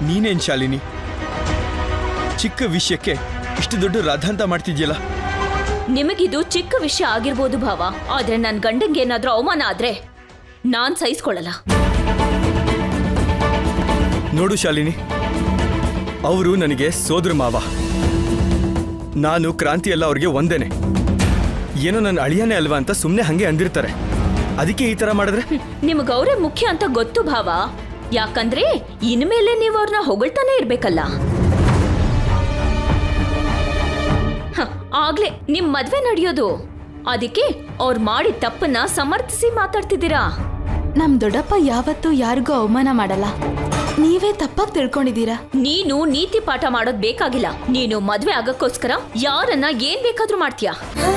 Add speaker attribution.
Speaker 1: ನೀನೇನ್ ಶಾಲಿನಿ, ಚಿಕ್ಕ ವಿಷಯಕ್ಕೆ ಇಷ್ಟು ದೊಡ್ಡ ರಾಧಾಂತ ಮಾಡ್ತಿದ್ಯಲ್ಲ?
Speaker 2: ನಿಮಗಿದು ಚಿಕ್ಕ ವಿಷಯ ಆಗಿರ್ಬೋದು ಭಾವ, ಆದ್ರೆ ನನ್ ಗಂಡಂಗೆ ಏನಾದ್ರೂ ಅವಮಾನ ಆದ್ರೆ ನಾನ್ ಸಹಿಸ್ಕೊಳ್ಳಲ್ಲ.
Speaker 1: ನೋಡು ಶಾಲಿನಿ, ಅವರು ನನಗೆ ಸೋದರ ಮಾವ, ನಾನು ಕ್ರಾಂತಿ ಎಲ್ಲ ಅವ್ರಿಗೆ ಒಂದೇನೆ. ಏನೋ ನನ್ನ ಅಳಿಯಾನೇ ಅಲ್ವಾ ಅಂತ ಸುಮ್ಮನೆ ಹಂಗೆ ಅಂದಿರ್ತಾರೆ. ಅದಕ್ಕೆ ಈ ತರ ಮಾಡಿದ್ರೆ
Speaker 2: ನಿಮ್ಗೆ ಅವರೇ ಮುಖ್ಯ ಅಂತ ಗೊತ್ತು ಭಾವ. ಯಾಕಂದ್ರೆ ಇನ್ಮೇಲೆ ನೀವು ಅವ್ರನ್ನ ಹೊಗಳ್ತಾನೆ ಇರ್ಬೇಕಲ್ಲ. ಆಗ್ಲೇ ನಿಮ್ ಮದ್ವೆ ನಡೆಯೋದು, ಅದಕ್ಕೆ ಅವ್ರು ಮಾಡಿದ ತಪ್ಪನ್ನ ಸಮರ್ಥಿಸಿ ಮಾತಾಡ್ತಿದ್ದೀರಾ.
Speaker 3: ನಮ್ ದೊಡ್ಡಪ್ಪ ಯಾವತ್ತೂ ಯಾರಿಗೂ ಅವಮಾನ ಮಾಡಲ್ಲ, ನೀವೇ ತಪ್ಪಾಗಿ ತಿಳ್ಕೊಂಡಿದ್ದೀರಾ.
Speaker 2: ನೀನು ನೀತಿ ಪಾಠ ಮಾಡೋದ್ ಬೇಕಾಗಿಲ್ಲ. ನೀನು ಮದ್ವೆ ಆಗಕ್ಕೋಸ್ಕರ ಯಾರನ್ನ ಏನ್ ಬೇಕಾದ್ರೂ ಮಾಡ್ತೀಯಾ.